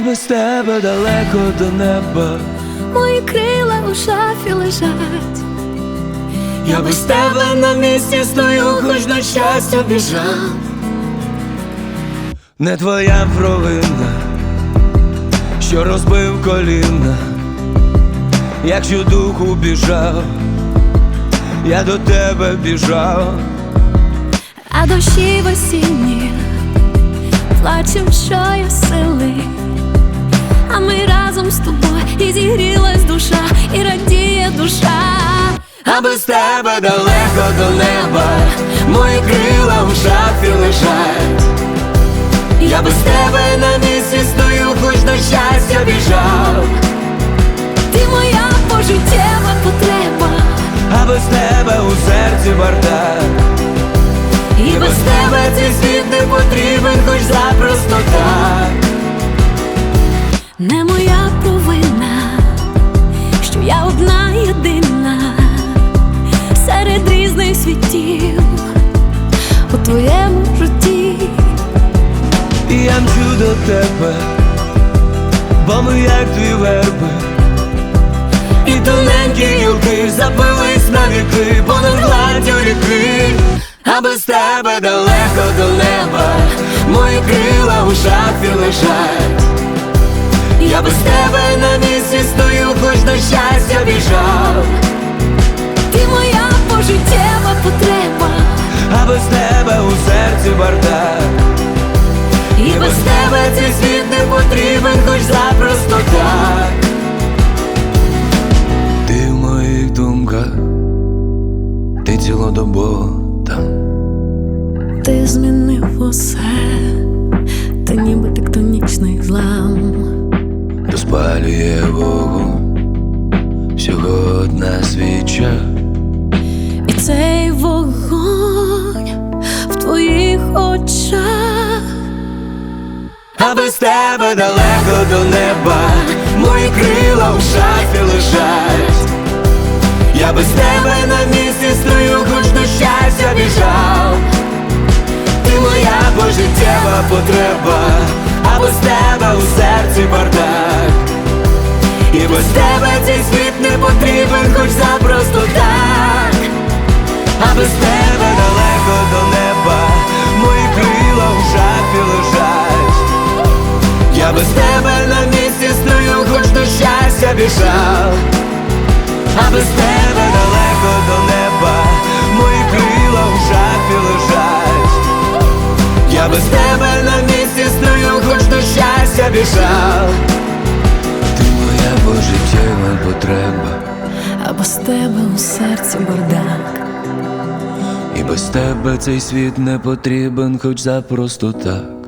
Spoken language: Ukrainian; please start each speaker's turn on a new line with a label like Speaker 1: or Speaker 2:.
Speaker 1: без тебе далеко до неба.
Speaker 2: Мої крила у шафі лежать.
Speaker 1: Я без тебе на місці стою, хоч на щастя біжав. Не твоя провина, що розбив коліна. Якщо духу біжав, я до тебе біжав.
Speaker 2: А дощі в осінні плачем, що я сили. А ми разом з тобою, і зігрілась душа, і радіє душа.
Speaker 1: А без тебе далеко до неба, мої крила в шафі лежать. Я без тебе на місці стою, хоч на щастя біжав.
Speaker 2: Ти моя пожиттєва потреба,
Speaker 1: А без тебе у серці бардак. І без тебе цей світ не потрібен, хоч запросто так.
Speaker 2: не моя провина, що я одна єдина серед різних світів у твоєму житті.
Speaker 1: І я мчу до тебе, бо ми як дві верби. І тоненькі гілки запились на віки понад гладдю ріки. А без тебе далеко до неба, мої крила у шафі лежать. Я без тебе на місці стою, хоч на щастя біжав.
Speaker 2: Ти моя пожиттєва потреба,
Speaker 1: А без тебе у серці бардак. І без тебе цей світ не потрібен, хоч запросто так. Ти в моїх думках, ти цілодобово там.
Speaker 2: ти змінив усе, ти ніби тектонічний злам.
Speaker 1: Розпалює вогонь всього одна свіча.
Speaker 2: І цей вогонь в твоїх очах.
Speaker 1: А без тебе далеко до неба, мої крила в шафі лежать. Я без тебе на місці стою, хоч до щастя біжав. Ти моя пожиттєва потреба, а без тебе у серці бардак. І без тебе цей світ не потрібен, хоч запросто так. А без тебе далеко до неба, мої крила в шафі лежать. Я без тебе на місці стою, хоч до щастя біжав. А без тебе далеко до неба, мої крила в шафі лежать. Я без тебе на місці стою, хоч до щастя біжав. Ти моя пожиттєва потреба,
Speaker 2: А без тебе у серці бардак.
Speaker 1: і без тебе цей світ не потрібен, хоч запросто так.